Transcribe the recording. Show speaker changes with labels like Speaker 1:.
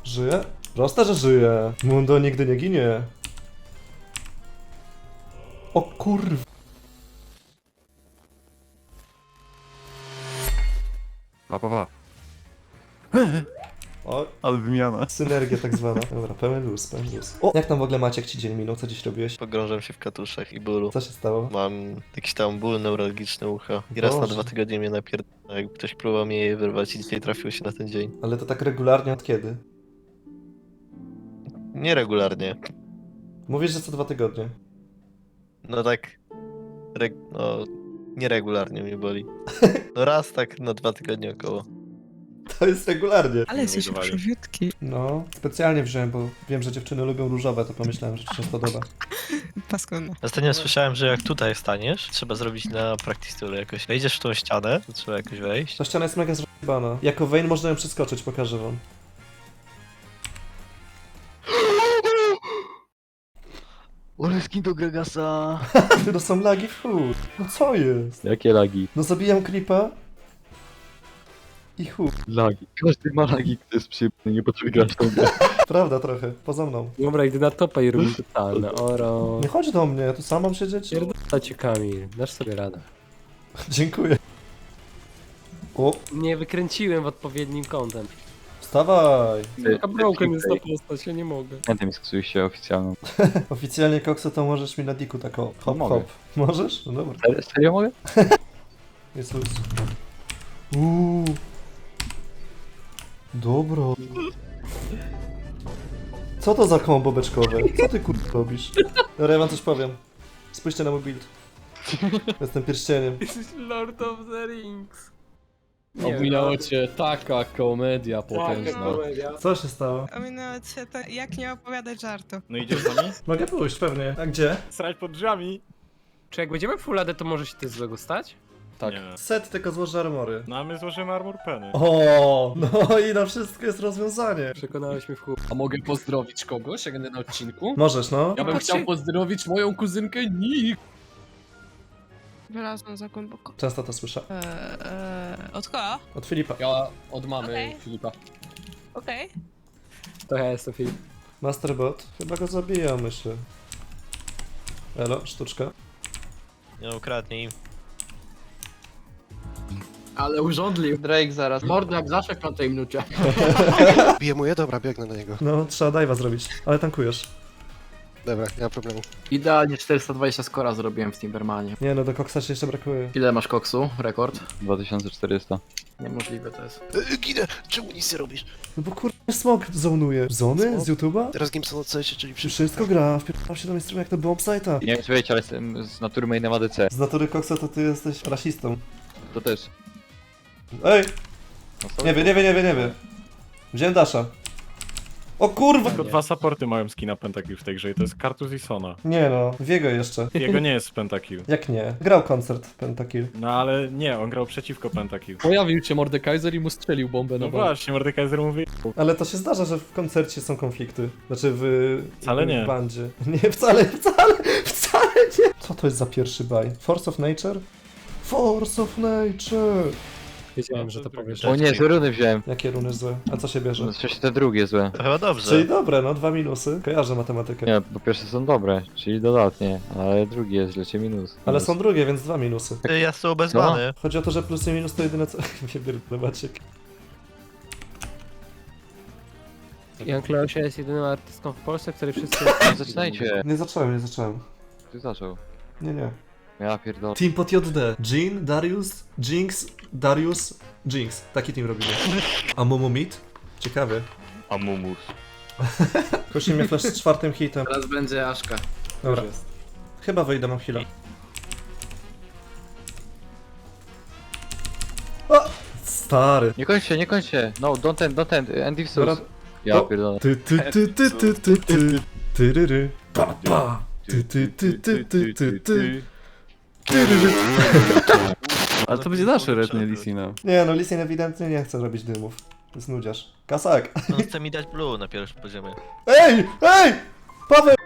Speaker 1: Żyje? Proste, że żyje. Mundo nigdy nie ginie. O kurwa.
Speaker 2: Pa.
Speaker 1: O,
Speaker 2: Ale wymiana.
Speaker 1: synergia tak zwana. Dobra, pełen luz. O, jak tam w ogóle Maciek ci dzień minął? Co dziś robiłeś?
Speaker 3: Pogrążam się w katuszach i bólu.
Speaker 1: Co się stało?
Speaker 3: Mam jakiś tam ból neurologiczny ucha. I raz na
Speaker 1: Boże.
Speaker 3: 2 tygodnie mnie napierdala, jak ktoś próbował mnie je wyrwać i dzisiaj trafiło się na ten dzień.
Speaker 1: Ale to tak regularnie od kiedy?
Speaker 3: Nieregularnie.
Speaker 1: Mówisz, że co 2 tygodnie.
Speaker 3: No tak... No... Nieregularnie mnie boli. No raz tak na 2 tygodnie około.
Speaker 1: To jest regularnie.
Speaker 4: Ale jesteś przewiutki.
Speaker 1: No, specjalnie wziąłem, bo wiem, że dziewczyny lubią różowe, to pomyślałem, że ci się spodoba.
Speaker 4: Paskudne.
Speaker 3: Ostatnio słyszałem, że jak tutaj staniesz, trzeba zrobić na practice tool jakoś. Wejdziesz w tą ścianę, to trzeba jakoś wejść.
Speaker 1: Ta ściana jest mega zrąbana. Jako Vayne można ją przeskoczyć, pokażę wam.
Speaker 2: Ole skin do Gregasa.
Speaker 1: To są lagi w chuj. No co jest?
Speaker 2: Jakie lagi?
Speaker 1: No zabijam creepa. I chuj.
Speaker 2: Lagi. Każdy ma lagi, kto jest przyjemny, nie potrafi grać w tą grę.
Speaker 1: Prawda trochę, poza mną.
Speaker 5: Dobra, idę na topa i robię totalne. Oro.
Speaker 1: Nie chodź do mnie, ja tu sam mam siedzieć?
Speaker 5: Pierdolę cię, Kamil. Dasz sobie radę.
Speaker 1: Dziękuję. O,
Speaker 5: Nie wykręciłem w odpowiednim kątem.
Speaker 1: wstawaj.
Speaker 5: Taka broken jest ta postać, ja nie mogę.
Speaker 2: Pamiętam, sksujesz się oficjalną.
Speaker 1: Oficjalnie koksu to możesz mi na diku tak o, hop
Speaker 2: Mogę.
Speaker 1: hop. Możesz? No dobra.
Speaker 2: Serio mogę?
Speaker 1: Jest luz. Dobra. Co to za kombo beczkowe? Co ty kurwa robisz? Dobra, ja wam coś powiem. Spójrzcie na mój build. Jestem pierścieniem.
Speaker 5: Jesteś Lord of the Rings.
Speaker 6: Ominęło cię taka komedia potężna.
Speaker 1: Co się stało?
Speaker 4: Ominęło cię to, jak nie opowiadać żartu.
Speaker 7: No idziesz z nami?
Speaker 1: Mogę pójść, pewnie. A gdzie?
Speaker 7: Srać pod drzwiami?
Speaker 5: Czy jak będziemy full AD, to może się coś złego stać?
Speaker 6: Tak.
Speaker 7: Nie.
Speaker 1: Set tylko złoży armory.
Speaker 7: No a my złożymy armor penny.
Speaker 1: O, no i na wszystko jest rozwiązanie.
Speaker 5: Przekonałeś mnie w chuj.
Speaker 6: A mogę pozdrowić kogoś, jak będę na odcinku?
Speaker 1: Możesz, no.
Speaker 6: Ja bym
Speaker 5: Patrzcie.
Speaker 6: chciał pozdrowić moją kuzynkę Nik.
Speaker 4: Wylazłam za głęboko.
Speaker 1: Często to słyszę.
Speaker 4: Od kogo?
Speaker 1: Od Filipa.
Speaker 6: Ja od mamy
Speaker 4: Okej.
Speaker 6: Filipa.
Speaker 4: Okej.
Speaker 5: To ja jestem Filip.
Speaker 1: Masterbot. Chyba go zabija, myślę. Elo, sztuczka.
Speaker 3: Nie ukradnij im.
Speaker 6: Ale urządlił.
Speaker 8: Drake zaraz.
Speaker 6: Mordo jak zawsze w 5 minucie.
Speaker 9: Bije mu je? Dobra, biegnę do niego.
Speaker 1: No, trzeba dive'a zrobić. Ale tankujesz.
Speaker 9: Dobra, nie ma problemu.
Speaker 6: Idealnie 420 skora zrobiłem w Timbermanie.
Speaker 1: Nie no, do koksa się jeszcze brakuje.
Speaker 6: Ile masz koksu? Rekord?
Speaker 2: 2400.
Speaker 6: Niemożliwe to jest.
Speaker 9: Ginę! Czemu nic nie robisz?
Speaker 1: No bo kurde, smog zonuje. Zony? Z YouTube'a?
Speaker 9: Teraz Gimson od CS, czyli
Speaker 1: Czy wszystko gra? Wpierdam się do mainstreamu jak to bombsite'a.
Speaker 2: Nie wiem czy wiecie, ale jestem z natury mainem ADC.
Speaker 1: Z natury koksa to ty jesteś rasistą.
Speaker 2: To też.
Speaker 1: Ej!
Speaker 2: No co?
Speaker 1: Nie wie. Wziąłem Dasha. O kurwa!
Speaker 7: Tylko 2 supporty mają skina Pentakill w tej grze i to jest Kartus i Sona.
Speaker 1: Nie no, Wiego jeszcze.
Speaker 7: Jego nie jest Pentakill.
Speaker 1: Jak nie? Grał koncert Pentakill.
Speaker 7: No ale nie, on grał przeciwko Pentakill.
Speaker 6: Pojawił się Mordekaiser i mu strzelił bombę
Speaker 7: No
Speaker 6: na bombę.
Speaker 7: właśnie, Mordekaiser mówi.
Speaker 1: Ale to się zdarza, że w koncercie są konflikty. Znaczy
Speaker 7: Wcale nie.
Speaker 1: w bandzie. Nie, wcale nie! Co to jest za pierwszy baj? Force of Nature? Force of Nature!
Speaker 5: Wiedziałem, że to powiesz.
Speaker 2: O nie, złe runy wziąłem.
Speaker 1: Jakie runy złe? A co się bierze?
Speaker 2: No przecież te drugie złe.
Speaker 3: To chyba dobrze.
Speaker 1: Czyli dobre, no, 2 minusy. Kojarzę matematykę.
Speaker 2: Nie, po pierwsze są dobre, czyli dodatnie, ale drugie jest lecie minus.
Speaker 1: Ale są drugie, więc 2 minusy.
Speaker 3: Ty, ja są obezwany.
Speaker 1: Chodzi o to, że plus i minus to jedyne co... Nie pierdolę, Maciek.
Speaker 5: Jan Kleosia jest jedynym artystką w Polsce, który wszyscy...
Speaker 2: Zaczynajcie.
Speaker 1: Nie zacząłem.
Speaker 2: Ty zaczął.
Speaker 1: Nie.
Speaker 2: Ja pierdolę.
Speaker 1: Team pod JD. Jean, Darius, Jinx, Darius, Jinx. Taki team robimy. A Momo Meat? Ciekawie.
Speaker 2: Amumus.
Speaker 1: Kosi mnie flash z 4 hitem.
Speaker 6: Teraz będzie Aszka.
Speaker 1: Dobra. Chyba wyjdę, mam heal'a. O! Stary.
Speaker 2: Nie kończcie. No, don't end. End if
Speaker 1: Dobra.
Speaker 2: Ja
Speaker 1: O.
Speaker 2: pierdolę.
Speaker 1: Ty. Tyryry. Pa, pa. Ty.
Speaker 2: Ale to będzie nasze redne Lisina.
Speaker 1: Nie no, Lisien ewidentnie nie chce robić dymów. To jest nudziarz. Kasak.
Speaker 3: On chce mi dać blue na pierwszym poziomie.
Speaker 1: Ej! Paweł!